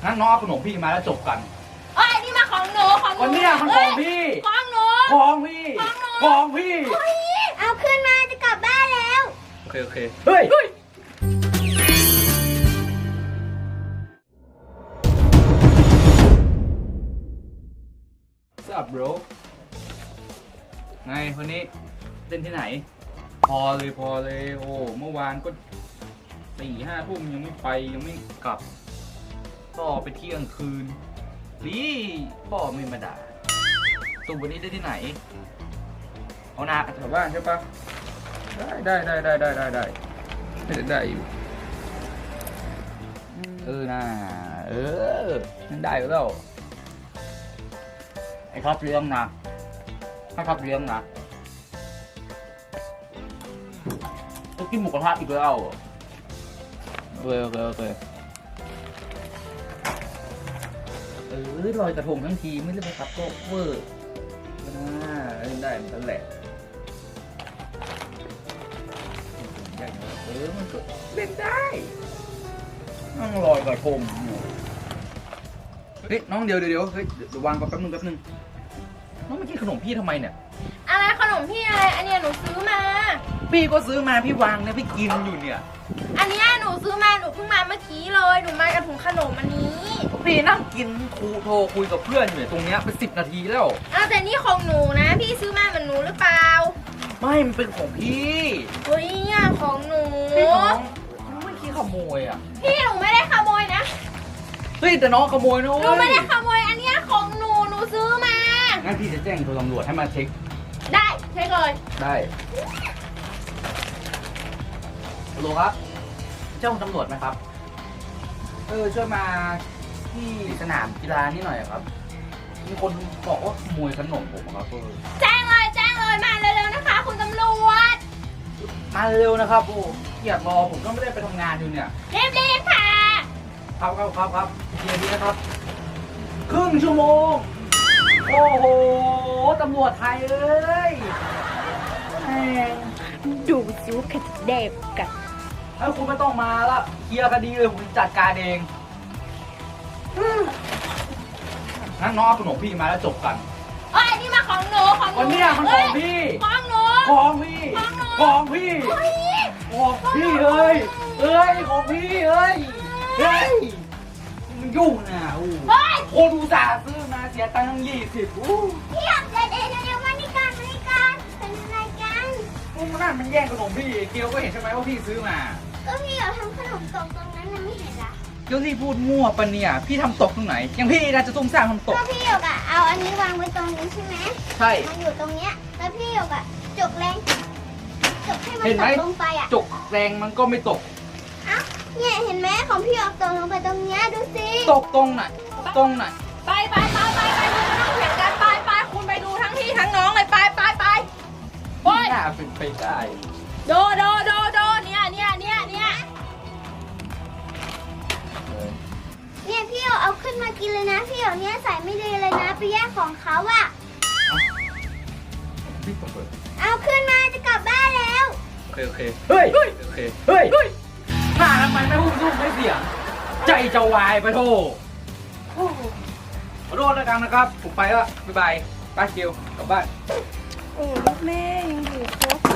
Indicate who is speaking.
Speaker 1: งั้นน้องเอาขนมพี่มาแล้วจบกัน
Speaker 2: เอ้ยนี่มาของหนู
Speaker 1: วันนี้มันของพี่
Speaker 2: ของหนู
Speaker 1: ของพี่ของพี่
Speaker 2: เอาขึ้นมาจะกลับบ้านแล้ว
Speaker 1: โอเคเฮ้ยสับ bro ไงวันนี้เล่นที่ไหนพอเลยโอ้เมื่อวานก็4-5 ทุ่มยังไม่ไปยังไม่กลับก็ไปเที่ยงคืนดีพ่อไม่มาด่าตุ่มวันนี้ได้ที่ไหนเอานาแถวบ้านใช่ปะได้อยู่น่านั่นได้แล้วไอ้ท็อปเลี้ยงนะให้ท็อปเลี้ยงนะจะกินหมูกระทะอีกแล้วโอเคลอยกระทงทั้งทีไม่ได้ไปขับโต๊ะเวอร์เล่นได้เหมือนกันแหละมันก็เล่นได้นั่งลอยกระทงเฮ้ยน้องเดี๋ยวเฮ้ยเดี๋ยววางก่อนแป๊บนึงน้องมากินขนมพี่ทำไมเนี่ย
Speaker 2: อะไรขนมพี่อะไรอันเนี้ยหนูซื้อมา
Speaker 1: พี่ก็ซื้อมาพี่วางเนี่ยพี่กินอยู่เนี่ย
Speaker 2: อันเนี้ยหนูซื้อมาหนูเพิ่งมาเมื่อกี้เลยหนูมากับถุงขนมอันนี้
Speaker 1: พี่นั่งกินโทรคุยกับเพื่อนอยู่ตรงเนี้ยเป็น10 นาทีแล้ว
Speaker 2: แต่นี่ของหนูนะพี่ซื้อมาเหมือนหนูหรือเปล่า
Speaker 1: ไม่มันเป็นของพี่
Speaker 2: เฮ้ยเนี่ยของหนู
Speaker 1: พี่น้องไม่คิดขโมยอ่ะ
Speaker 2: พี่หนูไม่ได้ขโมยนะ
Speaker 1: เฮ้ยแต่น้องขโมยนะ
Speaker 2: หนูไม่ได้ขโมยอันเนี้ยของหนูซื้อมา
Speaker 1: งั้นพี่จะแจ้งตำรวจให้มาเช็ค
Speaker 2: ได้เช็คเลย
Speaker 1: ได้ฮัลโหลครับเจ้าตำรวจไหมครับช่วยมาที่สนามกีฬานี่หน่อยครับมีคนบอกว่าขโมยขนมผมครับ
Speaker 2: แจ้งเลยมาเร็วๆนะคะคุณตำรวจ
Speaker 1: มาเร็วนะครับโอ้เกียรรอผมก็ไม่ได้ไปทำงานอยู่เนี่ย
Speaker 2: รีบค่ะ
Speaker 1: ครับเดี๋ยวนี้นะครับครึ่งชั่วโมงโอ้โหตำรวจไทยเลย
Speaker 2: ดูซิว่าใครจะเด็บกัน
Speaker 1: คุณไม่ต้องมาละเคลียร์คดีเลยผมจัดการเองงั้นน้องเอาขนมพี่มาแล้วจบกัน
Speaker 2: นี่มาของหนู
Speaker 1: วันนี้มันของพี่
Speaker 2: ของหนู
Speaker 1: ของพี่ของพี่เฮ้ยของพี่เฮ้ยมันยุ่งนะโคดูสาซื้อมาเสียตังค์ตั้ง20
Speaker 2: พี่อยากเดี๋ยวมานี่กันเป็นอะไรกัน
Speaker 1: มันแย่งขนมพี่เกียวก็เห็นใช่ไหมว่าพี่ซื้อมา
Speaker 2: ก็พี่อยากทำขนมตกตรงนั้นนะไม่เห็นละ
Speaker 1: เกียวที่พูดมั่วปะเนี่ยพี่ทำตกตรงไหนยังพี่น่าจะซุ่มซ่ามทำตก
Speaker 2: ก็พี่อยากเอาอันนี้วางไว้ตรงนี้ใช่ไหม
Speaker 1: ใช่
Speaker 2: มันอยู่ตรงเนี้ยแล้วพี่อยากจกแรงจกให้มันตกลงไป
Speaker 1: จกแรงมันก็ไม่ตก
Speaker 2: เนี่ยเห็นไหมของพี่อยากตกลงไปตรงเนี้ยดูสิ
Speaker 1: ตกตรงไหน
Speaker 2: ไปคุณไม่ต้องเถียงกันไปคุณไปดูทั้งพี่ทั้งน้องเลยไป
Speaker 1: น่าเป็นไปได้
Speaker 2: โดเนี่ยพี่เอาขึ้นมากินเลยนะพี่เนี้ยใส่ไม่ดีเลยนะไปแย่งของเขาอะเอาขึ้นมาจะกลับบ้านแล้ว
Speaker 1: โอเคเฮ้ยหน้าทำไมไม่พูดสู้ไม่เสียงใจจะวายไปโทษขอโทษแล้วกันนะครับผมไปแล้วบ๊ายบายป้าเกียวกลับบ้าน
Speaker 2: แม่ยังอยู่ครบ